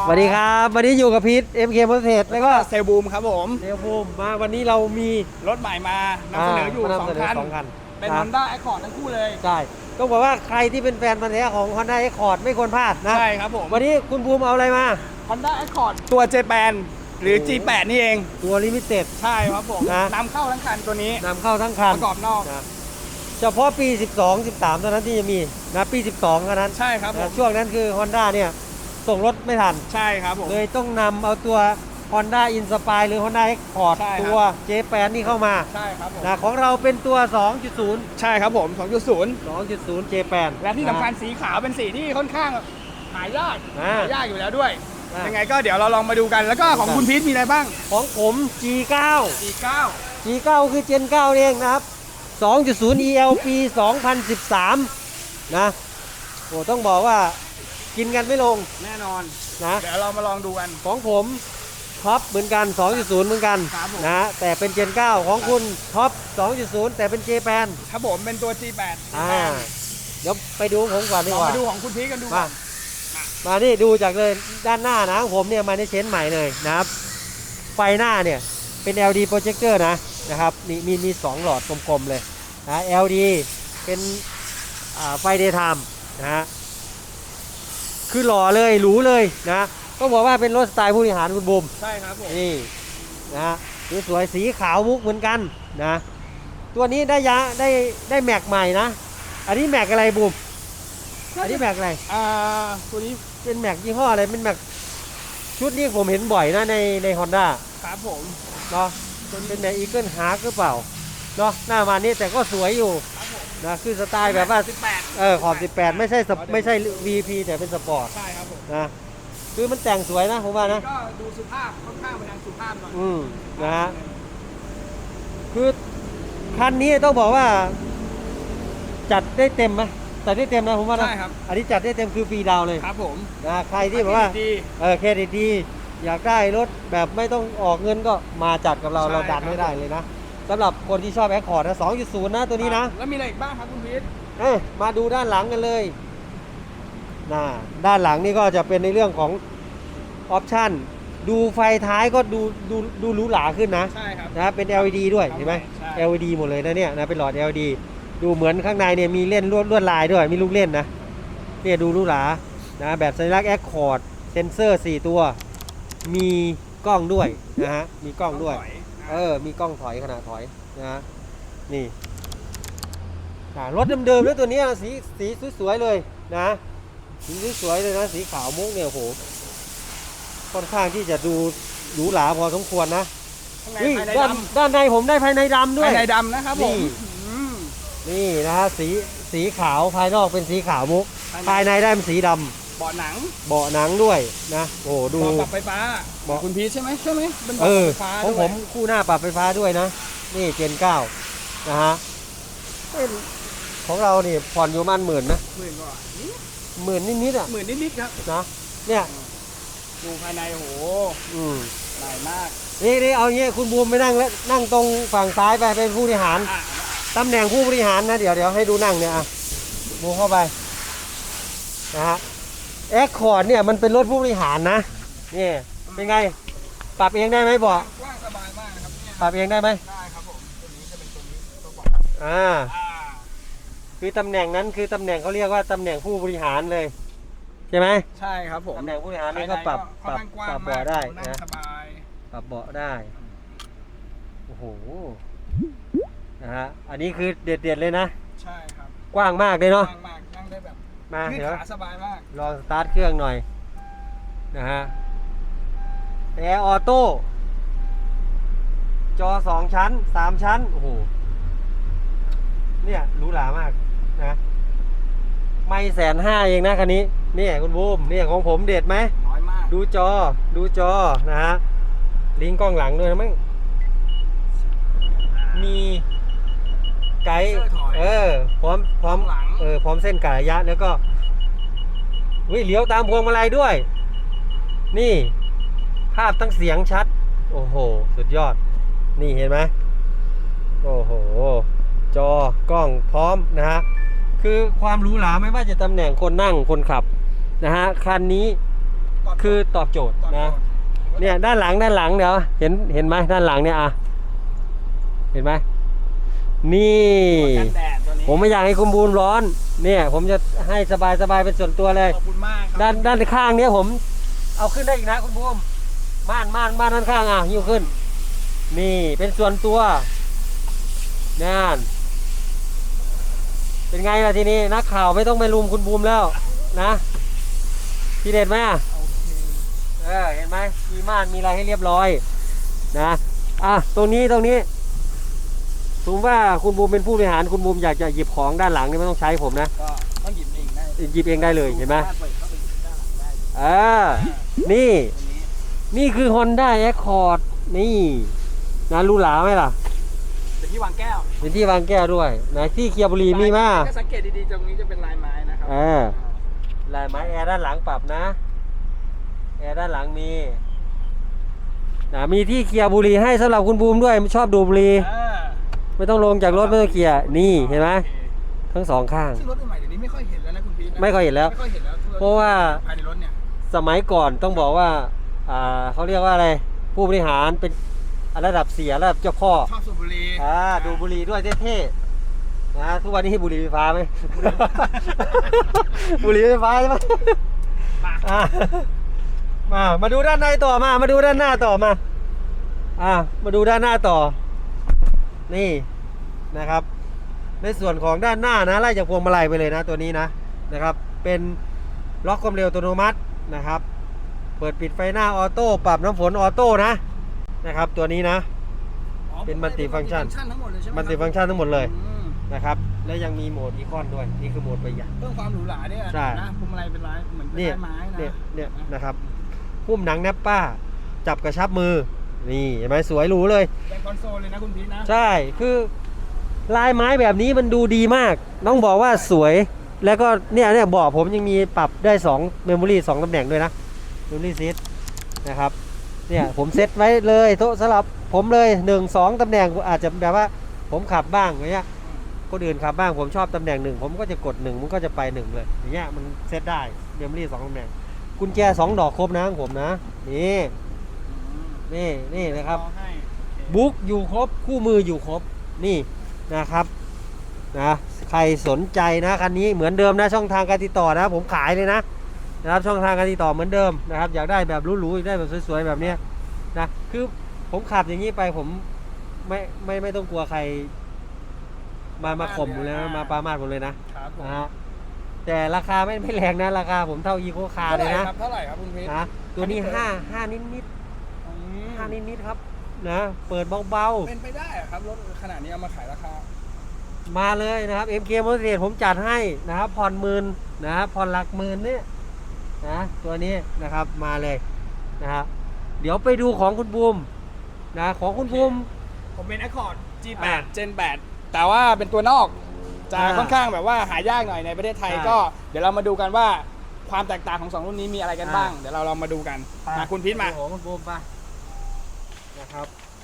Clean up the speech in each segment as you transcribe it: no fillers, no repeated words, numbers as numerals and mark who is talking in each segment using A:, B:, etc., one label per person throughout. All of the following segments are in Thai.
A: วัสดีครับวันนี้อยู่กับพีท MK Motorsport แล้วก็
B: เซลบูมครับผม
A: เซลบูมมาวันนี้เรามี
B: รถใหม่มานำเสนออยู่2 คันเป็น Honda Accord ทั้งคู่เลย
A: ใช่ต้องบอกว่าใครที่เป็นแฟนพันธุ์แท้ของ Honda Accord ไม่ควรพลาดนะ
B: ใช่ครับผม
A: วันนี้คุณภูมิเอาอะไรมา
B: Honda Accord ตัว J8 หรือ G8 นี่เอง
A: ตัวลิมิเต็ด
B: ใช่ครับผมนำเข้าทั้งคันตัวนี้
A: นำเข้าทั้งคัน
B: ประกอบนอก
A: เฉพาะปี 12 13เท่านั้นที่จะมีนะปี 12เท่านั้น
B: ใช่ครับผม
A: ช่วงนั้นคือ Honda เนี่ยส่งรถไม่ทัน
B: ใช่ครับผม
A: เลยต้องนำเอาตัว Honda Inspire หรือ Honda Accord ตัว J8 นี่เข้ามา
B: ใช่ครับผม
A: นะของเราเป็นตัว 2.0
B: ใช่ครับผม
A: 2.0 J8
B: และที่สำคัญสีขาวเป็นสีที่ค่อนข้างหายากอยู่แล้วด้วยยังไงก็เดี๋ยวเราลองมาดูกันแล้วก็ของคุณพีทมีอะไรบ้าง
A: ของผม G9
B: G9
A: คือ Gen 9เองนะครับ 2.0 ELP 2013 นะโอ้ต้องบอกว่ากินกันไม่ลง
B: แน่นอน
A: นะ
B: เดี๋ยวเรามาลองดูกัน
A: ของผมท็อปเหมือนกัน 2.0 เหมือนกันนะแต่เป็น Gen 9ของคุณท็อป 2.0 แต่เป็น J8
B: ครับผมเป็นตัว G8
A: เดี๋ยวไปดูผมก่อนดีกว่า
B: มาดูของคุณพีทกันดู
A: มานี่ดูจากเลยด้านหน้านะของผมเนี่ยมาในเชนใหม่เลยนะครับไฟหน้าเนี่ยเป็น LED projector นะครับมี2หลอดกลมๆเลยนะ LED เป็นไฟ daytime นะฮะคือหล่อเลยหรูเลยนะต้องบอกว่าเป็นรถสไตล์ผู้บริหารคุณบูม
B: ใช่ครับผม
A: นี่นะสวยสีขาวมุกเหมือนกันนะตัวนี้ได้แม็กใหม่นะอันนี้แม็กอะไรบูมอันนี้แม็กอะไร
B: ตัวนี้
A: เป็นแม็กยี่ห้ออะไรเป็นแม็กชุดนี้ผมเห็นบ่อยนะใน Honda
B: ครับผม
A: เนาะเป็นแม็กอีเกิลฮาร์กหรือเปล่าเนาะหน้ามานี่แต่ก็สวยอยู่นะคือสไตล์แบบว่าขอบ18ไม่ใช่ VP แต่เป็นสปอร์ต
B: ใช่ครับผม
A: นะคือมันแต่งสวยนะผมว่านะ
B: ก็ดูสุภาพค่อนข้างไปทางสุภาพหน่อย
A: นะฮะคือคันนี้ต้องบอกว่าจัดได้เต็มไหมจัดได้เต็มนะผมว่านะ
B: ใช่ครับ
A: อันนี้จัดได้เต็มคือฟรีดาวเลย
B: ครับผม
A: นะใครที่แบบว่าเครดิตดีอยากได้รถแบบไม่ต้องออกเงินก็มาจัดกับเราดันไม่ได้เลยนะสำหรับคนที่ชอบ Accord นะ 2.0 นะตัวนี้นะ
B: แล้วมีอะไรอีกบ้างครับคุณพีท
A: มาดูด้านหลังกันเลยด้านหลังนี่ก็จะเป็นในเรื่องของออปชั่นดูไฟท้ายก็ดูหรูหราขึ้นนะ
B: ใช่ครับ
A: นะเป็น LED ด้วยเห็นไหม LED หมดเลยนะเนี่ยนะเป็นหลอด LED ดูเหมือนข้างในเนี่ยมีเล่นลวดลายด้วยมีลูกเล่นนะเนี่ยดูหรูหรานะแบบสัญลักษณ์ Accord เซนเซอร์4ตัวมีกล้องด้วยนะฮะมีกล้องด้วยมีกล้องถอยขนาดถอยนะนี่รถเดิมๆแล้วตัวนี้สีสวยๆเลยนะสีสวยเลยนะสีขาวมุกเนี่ยโหค่อนข้างที่จะดูหรูหราพอสมควรนะด้านในผมได้ภายในดำด้วย
B: ภายในดำนะครับผม
A: นี่นะฮะสีขาวภายนอกเป็นสีขาวมุกภายในได้เป็นสีดำ
B: เบาะห
A: นังด้วยนะโอ้ดู
B: ปรับไฟฟ้าบอกคุณพีชใช่ไหมเป็น
A: ปรับไฟฟ้าของผมคู่หน้าปรับไฟฟ้าด้วยนะนี่เจน9นะฮะของเรานี่ผ่อนอยู่ประมาณ10,000นะ10,000นิดๆอ่ะ
B: 10,000นิดๆครับ
A: นะเนี่ย
B: ดูภายในโหใหญ่มาก
A: นี่เอาเงี้ยคุณบูมไปนั่งตรงฝั่งซ้ายไปเป็นผู้บริหารตำแหน่งผู้บริหารนะเดี๋ยวให้ดูนั่งเนี่ยบูมเข้าไปนะฮะAccord เนี่ยมันเป็นรถผู้บริหารนะนี่เป็นไงปรับเองได้ไหมบอก
B: กว้างสบายมากนะครับ
A: ปรับเองได้ไหม
B: ได้ครับผมตัวนี้จะเป็นตัวนี้ตัวบอก
A: คือตำแหน่งนั้นคือตำแหน่งเขาเรียกว่าตำแหน่งผู้บริหารเลยใช่ไหม
B: ใช่ครับผม
A: ตำแหน่งผู้บริหารนี่ก็ปรับเบาะได้นะปรับเบาะได้โอ้โหนะฮะอันนี้คือเด็ดเลยนะ
B: ใช่ครับ
A: กว้างมากเลยเนาะ
B: กว้างมากนั่งได้แบบ
A: มาเดี๋ยว
B: สบายมาก
A: ลองสตาร์ทเครื่องหน่อยนะฮะแอร์ออโต้จอ2ชั้น3ชั้นโอ้โหเนี่ยหรูหรามากนะไม่150,000เองนะคันนี้เนี่ยคุณบูมเนี่ยของผมเด็ดไหม
B: น้อยมาก
A: ดูจอนะฮะลิงก์กล้องหลังด้วยนะมั้งมีไกด์พร้อมพร้อมเส้นกะระยะแล้วก็เลี้ยวตามพวงมาลัยด้วยนี่ภาพทั้งเสียงชัดโอ้โหสุดยอดนี่เห็นไหมโอ้โหจอกล้องพร้อมนะฮะคือความหรูหราไม่ว่าจะตำแหน่งคนนั่งคนขับนะฮะคันนี้คือตอบโจทย์นะเนี่ยด้านหลังเดี๋ยวเห็นไหมด้านหลังเนี่ยเห็นไหมนี่
B: กันแดดตัวนี้
A: ผมไม่อยากให้คุณบูมร้อนเนี่ยผมจะให้สบายเป็นส่วนตัวเลย
B: ขอบคุณมากครั
A: ด้านข้างเนี้ยผมเอาขึ้นได้อีกนะคุณบูมม่านด้านข้างหิ้วขึ้นนี่เป็นส่วนตัวนั่นเป็นไงล่ะทีนี้นักข่าวไม่ต้องไปลุมคุณบูมแล้วนะทีเด็ดไหมเห็นไหมมีม่านมีอะไรให้เรียบร้อยนะตรงนี้สมมติว่าคุณบูมเป็นผู้บริหารคุณบูมอยากจะหยิบของด้านหลังนี่ไม่ต้องใช้ผมนะ
B: ก็ต้องหยิบเองได้
A: หยิบเองได้เลยเห็นไหม
B: สาารถเปิดเข้าไปหยิบด้านหลังได้
A: นี่คือ Honda Accord นี่นะรู้หลาไหมล่ะ
B: เป็นที่วางแก้ว
A: เป็นที่วางแก้วด้วยนะที่เคียบุรีมีมาก
B: ถ้าสังเกตดีๆตรงนี้จะเป็นลายไม้นะครั
A: ลายไม้แอร์ด้านหลังปรับนะแอร์ด้านหลังมีมีที่เคียบุรีให้สำหรับคุณบูมด้วยชอบดูบุรีไม่ต้องลงจากรถไม่ต้องเคียนี่เห็นไหมทั้งสองข้าง
B: ซึ่งรถใหม่เดี๋ยวนี้ไม่ค่อยเห็นแล้วนะคุณพีท
A: ไม่ค่อยเห็นแล้ว เพราะว่า
B: ภายในรถเนี่ย
A: สมัยก่อนต้องบอกว่าเขาเรียกว่าอะไรผู้บริหารเป็นระดับเสียระดับเจ้าพ่อ
B: ชอบสูบบุหรี่
A: ดูบุหรี่ด้วยเท่ๆนะทุกวันนี้บุหรี่ไฟฟ้าไหม บุหรี่ไฟฟ้าใช่ไหมมาดูด้านในต่อมาดูด้านหน้าต่อมามาดูด้านหน้าต่อนี่นะครับในส่วนของด้านหน้านะไล่จากพวงมาลัยไปเลยนะตัวนี้นะครับเป็นล็อกความเร็วอัตโนมัตินะครับเปิดปิดไฟหน้าออโต้ปรับน้ำฝนออโต้นะครับตัวนี้นะเป็นมัลติฟังก์ชัน
B: ทั้งหมดเลยใช่ไหม
A: มัลติฟังก์ชันทั้งหมดเลยนะครับและยังมีโหมดอีคอนด้วยนี่คือโหมดประหยัด
B: เพิ่มความหรูหราเนี่ย
A: ใช่
B: นะพวงมาลัยเป็นลายเหมือนเป็นลายไม้นะ
A: เนี่ยนะครับหุ้มหนังแนปป้าจับกระชับมือนี่เห็นไหมสวยหรูเลย
B: เป็นคอนโซลเลยนะคุณพีทนะ
A: ใช่คือลายไม้แบบนี้มันดูดีมากต้องบอกว่าสวยแล้วก็เนี่ยเบาะผมยังมีปรับได้2เมมโมรี่2ตำแหน่งด้วยนะเมมโมรี่ซีทนะครับเนี่ยผมเซตไว้เลยโต๊ะสลับผมเลย1-2ตำแหน่งอาจจะแบบว่าผมขับบ้างอย่างเงี้ยคนอื่นขับบ้างผมชอบตำแหน่ง1ผมก็จะกด1มันก็จะไป1เลยอย่างเงี้ยมันเซตได้เมมโมรี่2ตำแหน่งกุญแจ2ดอกครบนะของผมนะนี่นะครับบุ๊กอยู่ครบคู่มืออยู่ครบนี่นะครับนะใครสนใจนะคันนี้เหมือนเดิมนะช่องทางการติดต่อนะผมขายเลยนะครับช่องทางการติดต่อเหมือนเดิมนะครับอยากได้แบบหรูๆอยากได้แบบสวยๆแบบนี้นะคือผมขับอย่างนี้ไปผมไม่ต้องกลัวใครมาข่มผมเลยนะมาปรามาสผมเลยนะแต่ราคาไม่แรงนะราคาผมเท่าอีโคคาร์เลยนะ
B: เท่าไหร่ครับคุณพีท
A: นะตัวนี้5นิดครับนะเปิดเบาๆ
B: เป็นไปได้ครับรถขนาดนี้เอามาขายราคา
A: มาเลยนะครับ MK Motorsport ผมจัดให้นะครับผ่อน10,000นะครับผ่อนหลักหมื่นเนี่ยนะตัวนี้นะครับมาเลยนะครับเดี๋ยวไปดูของคุณบูมนะของคุณบูม
B: ผมเป็น Accord G8 Gen 8แต่ว่าเป็นตัวนอกจะค่อนข้างแบบว่าหายากหน่อยในประเทศไทยก็เดี๋ยวเรามาดูกันว่าความแตกต่างของ2รุ่นนี้มีอะไรกันบ้างเดี๋ยวเราลองมาดูกันมาคุณพีทมา
A: ของคุณบูมไปนะครับ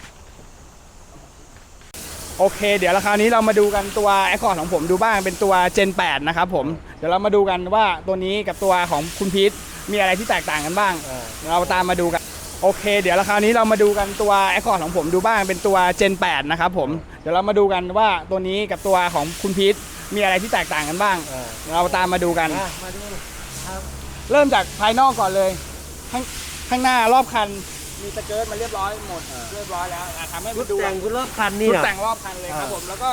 B: โอเคเดี๋ยวราคราวนี้เรามาดูกันตัว Accord ของผมดูบ้างเป็นตัว Gen 8นะครับผมเดี๋ยวเรามาดูกันว่าตัวนี้กับตัวของคุณพีทมีอะไรที่แตกต่างกันบ้างเราตามมาดูกันโอเคเดี๋ยวราคราวนี้เรามาดูกันตัว Accord ของผมดูบ้างเป็นตัว Gen 8นะครับผมเดี๋ยวเรามาดูกันว่าตัวนี้กับตัวของคุณพีทมีอะไรที่แตกต่างกันบ้างเราตามมาดูกันเริ่มจากภายนอกก่อนเลยข้างหน้ารอบคันมีสเกิร์ตมาเรียบร้อยหมดเรียบร้อยแล้วทำให้มันดู
A: แต่งรอบคันนี่
B: แต่งรอบคันเลยครับผมแล้วก็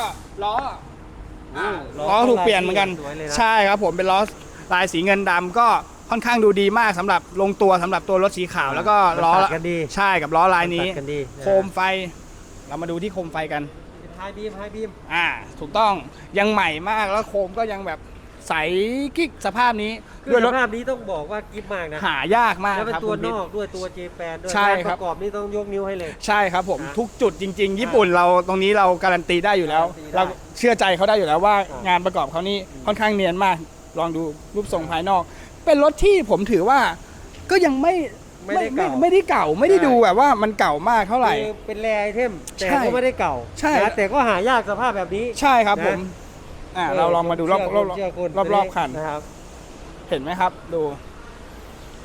B: ล้อถูกเปลี่ยนเหมือนกันใช่ครับผมเป็นล้อลายสีเงินดำก็ค่อนข้างดูดีมากสำหรับลงตัวสำหรับตัวรถสีขาวแล้วก็ล้อใช่กับล้อลายนี้โคมไฟเรามาดูที่โคมไฟกัน
A: ไฮบีม
B: ถูกต้องยังใหม่มากแล้วโคมก็ยังแบบใสกิ๊กสภาพนี้
A: ด้วยสภาพนี้ต้องบอกว่ากิ๊บมากนะ
B: หายากมาก
A: แล้วเป็นตัวนอกด้วยตัวเจแปนด้วย
B: ใช่ครับ
A: ประกอบนี่ต้องยกนิ้วให้เลย
B: ใช่ครับผมทุกจุดจริงๆญี่ปุ่นเราตรงนี้เราการันตีได้อยู่แล้วเราเชื่อใจเขาได้อยู่แล้วว่างานประกอบเขานี่ค่อนข้างเนียนมากลองดูรูปทรงภายนอกเป็นรถที่ผมถือว่าก็ยังไม่ได้เก่าไม่ได้ดูแบบว่ามันเก่ามากเท่าไหร่
A: เป็นแรไอเทมแต่ก็ไม่ได้เก่า
B: ใช่
A: แต่ก็หายากสภาพแบบนี้
B: ใช่ครับผมเราลองมาดูรอบคันนะครับเห็นไหมครับดู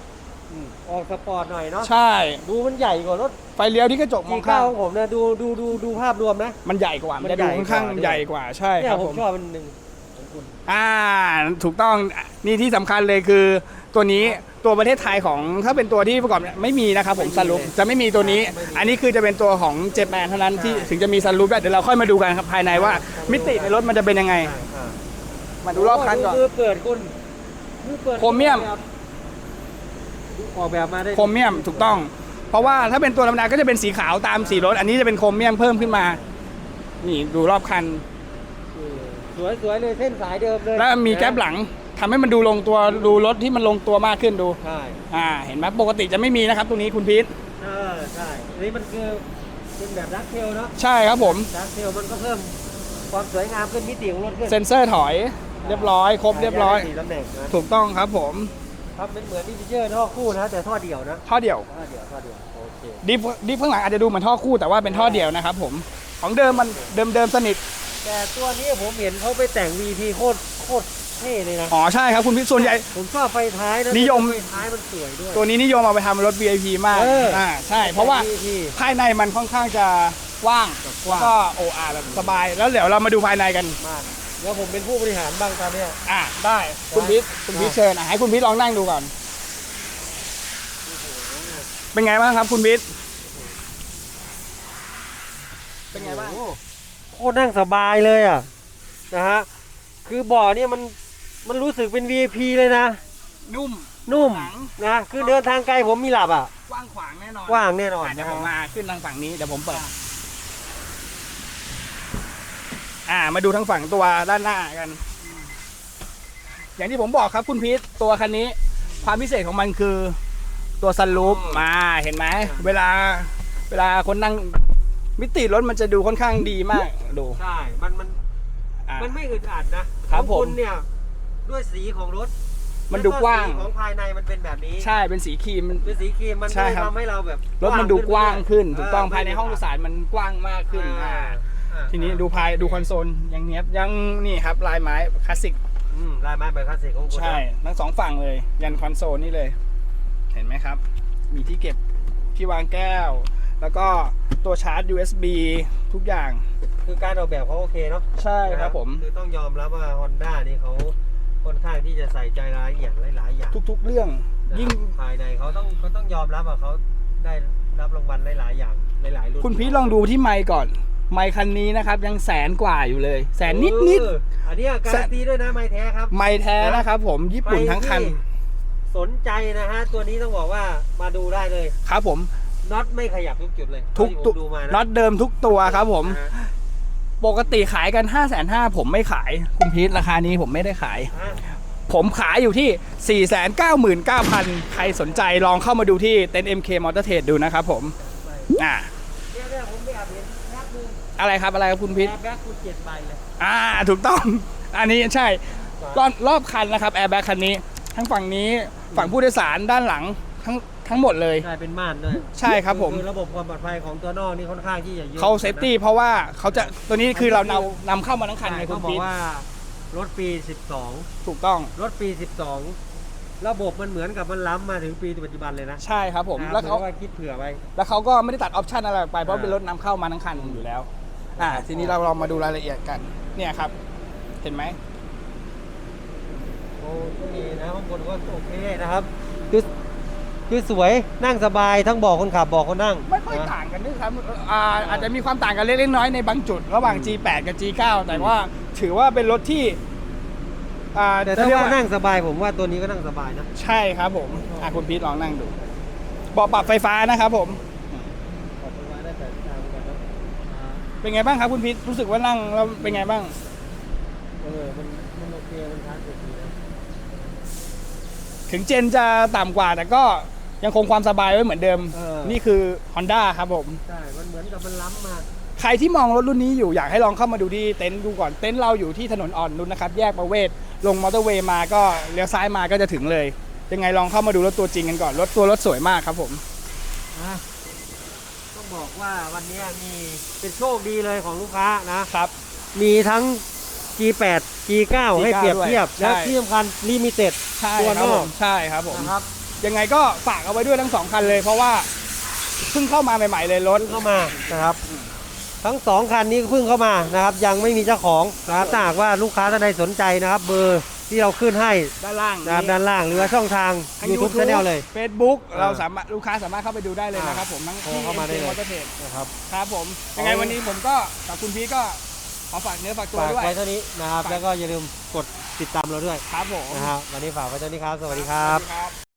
A: ออกสปอร์ตหน่อยเนาะ
B: ใช่
A: ดูมันใหญ่กว่ารถ
B: ไฟเลี้ยวที่กระจกมองข้าง
A: G9 ของผมนะดูภาพรวมนะ
B: มันใหญ่กว่ามันจะดูค่อนข้างใหญ่กว่าใช่
A: เนี่
B: ค
A: ย
B: รับ
A: ผ
B: ผม ม
A: ชอบมันหนึ่งของคุณ
B: ถูกต้องนี่ที่สำคัญเลยคือตัวนี้ตัวประเทศไทยของถ้าเป็นตัวที่ประกอบไม่มีนะครับผมซันรูฟจะไม่มีตัวนี้ อันนี้คือจะเป็นตัวของเจแปนเท่านั้นที่ถึงจะมีซันรูฟได้เดี๋ยวเราค่อยมาดูกันครับภายในว่ามิติในรถมันจะเป็นยังไง มาดูรอบคันก่อน
A: คือเปิดคุณคือเปิด
B: โครเมียม
A: ออกแบบมาได้
B: โครเมียมถูกต้อง เพราะว่าถ้าเป็นตัวธรรมดาก็จะเป็นสีขาวตามสีรถ อันนี้จะเป็นโครเมียมเพิ่มขึ้นมา นี่ดูรอบคัน
A: สวยเลยเส้นสายเดิมเลย
B: แล้วมีแก๊ปหลังทำให้มันดูลงตัวดูรถที่มันลงตัวมากขึ้นดู
A: ใช่
B: เห็นไหมปกติจะไม่มีนะครับตรงนี้คุณพีท
A: ใช่อันนี้มันคือเป็นแบบดักเทลเนาะ
B: ใช่ครับผม
A: ดักเทลมันก็เพิ่มความสวยงามขึ้นมิติของรถขึ้น
B: เซ็นเซอร์ถอยเรียบร้อยครบเรียบร้อย
A: 4ตำแหน่งนะ
B: ถูกต้องครับผม
A: ครับเป็นเหมือนดิฟเจอร์ท่อคู่นะแต่ท่อเดี่ยวนะ
B: ท่อเดี่ยว
A: ท่อเดี่ยวโอเค
B: ดิฟข้างหลังอาจจะดูเหมือนท่อคู่แต่ว่าเป็นท่อเดี่ยวนะครับผมของเดิมมันเดิมสนิท
A: แต่ตัวนี้ผมเห็นเขาไปแต่ง VP โคตรเท่เลยนะ
B: อ๋อใช่ครับคุณพีทส่วนใหญ่
A: ผมชอบไฟท้ายนะ
B: นิยม
A: ไฟท้ายมันสวยด้วย
B: ตัวนี้นิยมเอาไปทำรถ VIP มาก ใช่เพราะว่า
A: VP
B: ภายในมันค่อนข้างจะว่างแล้วก็โออาแบบสบายแล้วเดี๋ยวเรามาดูภายในกัน
A: มากแล้วผมเป็นผู้บริหารบ้างตอนเนี้ย
B: ได้คุณพีทเชิญให้คุณพีทลองนั่งดูก่อนเป็นไงบ้างครับคุณพีทเป็นไงบ้าง
A: โคตรนั่งสบายเลยอ่ะนะฮะคือเบาะเนี่ยมันรู้สึกเป็น VIP เลยนะ นุ่มนะคือเดินทางไกลผมมีหลับอ่ะ
B: กว้างขวางแน่นอน
A: กว้างแน่นอน
B: เดี๋ยวผมมาขึ้นทางฝั่งนี้เดี๋ยวผมเปิดมาดูทางฝั่งตัวด้านหน้ากัน อย่างที่ผมบอกครับคุณพีทตัวคันนี้ความพิเศษของมันคือตัวซันรูฟเห็นไหมเวลาคนนั่งมิติรถมันจะดูค่อนข้างดีมากดู
A: ใช่มันไม่อึดอัดนะครับ
B: ผม
A: คุณเนี่ยด้วยสีของรถ
B: มันดูกว้าง
A: แล้สีของภายในมันเป็นแบบนี้
B: ใช่เป็นสีครีม
A: เป็นสีครีมมัน
B: ใช่
A: เลย
B: ครับ
A: ทำให้เราแบบ
B: รถมันดูกว้างขึ้นถูกต้อง
A: เ
B: ภายในห้องโดยสารมันกว้างมากขึ้นทีนี้ดูคอนโซลยังเนี้ยบยังนี่ครับลายไม้คลาสสิก
A: ลายไม้แบบคลาสสิกของคุณ
B: ใช่ทั้งสองฝั่งเลยยันคอนโซลนี่เลย เห็นไหมครับ มีที่เก็บที่วางแก้ว แล้วก็ตัวชาร์จ USB ทุกอย่าง
A: คือการออกแบบเขาโอเคเนาะ
B: ใช่ครับผม
A: คือต้องยอมรับว่า Honda นี่เขาค่อนข้างที่จะใส่ใจรายละเอียดหลายๆอย่าง
B: ทุกๆเรื่อง
A: นะครับ
B: ยิ่ง
A: ภายในเขาต้องยอมรับว่าเขาได้รับรางวัลหลายๆอย่างหลายๆรุ่น
B: คุณพีทลองดูที่ไมค์ก่อน ไมค์คันนี้นะครับยังแสนกว่าอยู่เลยแสนนิด
A: อันนี้การันตีด้วยนะไม้แท้ครับ
B: ๆไมค์แท้นะครับผมญี่ปุ่นทั้งคัน
A: ใรที่สนใจนะฮะตัวนี้ต้องบอกว่ามาดูได้เลย
B: ครับผม
A: น็อตไม่ขยับทุกจุดเลย
B: ทุก
A: ที่ผม
B: ตัว
A: ดูมานะ
B: น็อตเดิมทุกตัวครับผม
A: นะฮะ
B: ปกติขายกัน 550,000ผมไม่ขายคุณพีทราคานี้ผมไม่ได้ขาย ผมขายอยู่ที่ 499,900 ใครสนใจลองเข้ามาดูที่เต็นท์ MK Motor Trade ดูนะครับผม
A: เนี่ยผมไม่อยากเห็นแบ็คดู
B: อะไรครับคุณพีท
A: แบ็คคุณ7 ใบเลย
B: ถูกต้อง อันนี้ใช่รอบคันนะครับแอร์แบ็คคันนี้ ทั้งฝั่งนี้ฝั่งผู้โดยสารด้านหลังทั้งหมดเลย
A: ใช่เป็นม่านด้วย
B: ใช่ครับผม
A: คือระบบความปลอดภัยของตัวนอกนี่ค่อนข้างที่จะเยอะ
B: เขาเซฟตี้เพราะว่าเขาจะตัวนี้คือเรานำเข้ามาทั้งคันไงคุ
A: เขา
B: ณ
A: บอ
B: พี
A: ก
B: ท
A: ว่ารถปี
B: ถูกต้อง
A: 12รถปี 12ระบบมันเหมือนกับมันล้ำมาถึงปีปัจจุบันเลยนะ
B: ใช่ครับผม
A: นะ
B: แล้วเขา
A: หมือนว่าคิดเผื่อไว้
B: แล้วเขาก็ไม่ได้ตัดออปชันอะไรออกไปเพราะเป็นรถนำเข้ามาทั้งคันอยู่แล้วทีนี้เราลองมาดูรายละเอียดกันเนี่ยครับเห็นไหม
A: โอเคนะข้างบนก็โอเคนะครับคือสวยนั่งสบายทั้งเบอกคนขับเบอกคนนั่ง
B: ไม่ค่อยต่างกันด้วยครับอาจจะมีความต่างกันเล็กๆน้อยๆในบางจุด ระหว่าง G8 กับ G9 แต่ว่าถือว่าเป็นรถที่
A: แต่ถ้าว่านั่งสบายผมว่าตัวนี้ก็นั่งสบายนะ
B: ใช่ครับผมคุณพีทลองนั่งดูเบาะปรับไฟฟ้านะครับผม
A: ขอบคุณมากได้แต่ทางกันนะ
B: เป็นไงบ้างครับคุณพีทรู้สึกว่านั่งแล้วเป็นไงบ้าง
A: มันโอเคมันคลาสสิกดีนะ
B: ถึงเจนจะต่ำกว่าแต่ก็ยังคงความสบายไว้เหมือนเดิมนี่คือ Honda ครับผม
A: ใช่มันเหมือนกับมันล้ำมา
B: ใครที่มองรถรุ่นนี้อยู่อยากให้ลองเข้ามาดูที่เต็นท์ดูก่อนเต็นท์เราอยู่ที่ถนนอ่อนนุชนะครับแยกประเวศลงมอเตอร์เวย์มาก็เลี้ยวซ้ายมาก็จะถึงเลยยังไงลองเข้ามาดูรถตัวจริงกันก่อนรถสวยมากครับผม
A: ต้องบอกว่าวันนี้มีเป็นโชคดีเลยของลูกค้านะครับ มีทั้ง G8 G9 ให้เปรียบเทียบ
B: ด้วย
A: และ
B: ใช่
A: ที่สำคัญลิมิเต็ด
B: ใช่
A: ตัวน
B: ครับ
A: อ
B: ผ
A: ก
B: มใช่ครับผม
A: นะครับ
B: ยังไงก็ฝากเอาไว้ด้วยทั้ง2คันเลยเพราะว่าเพิ่งเข้ามาใหม่ๆเลยรถ
A: เข้ามานะครับทั้ง2คันนี้เพิ่งเข้ามานะครับยังไม่มีเจ้าของนะครับถ้าหากว่าลูกค้าท่านใดสนใจนะครับเบอร์ที่เราขึ้นให้
B: ด้านล่าง
A: นะครับด้านล่างหรือว่าช่องทาง
B: ทั้ง
A: YouTube Channel เลย
B: Facebook เราสามารถลูกค้าสามารถเข้าไปดูได้เลยนะครับผมทั้ง
A: โทร
B: ที่
A: เข้ามาได้เลย
B: มอเตอร์เทรด
A: นะครับ
B: ครับผมยังไงวันนี้ผมก็กับคุณพีทก็ขอฝากเนื้อฝากตัว
A: ฝาก
B: ด้วย
A: ไว้เท่านี้นะครับ
B: ฝาก
A: แล้วก็อย่าลืมกดติดตามเราด้วย
B: ครับผม
A: นะครับวันนี้ฝากไว้เท่านี้ครับสวัสดีค
B: ค
A: รั
B: รับ บ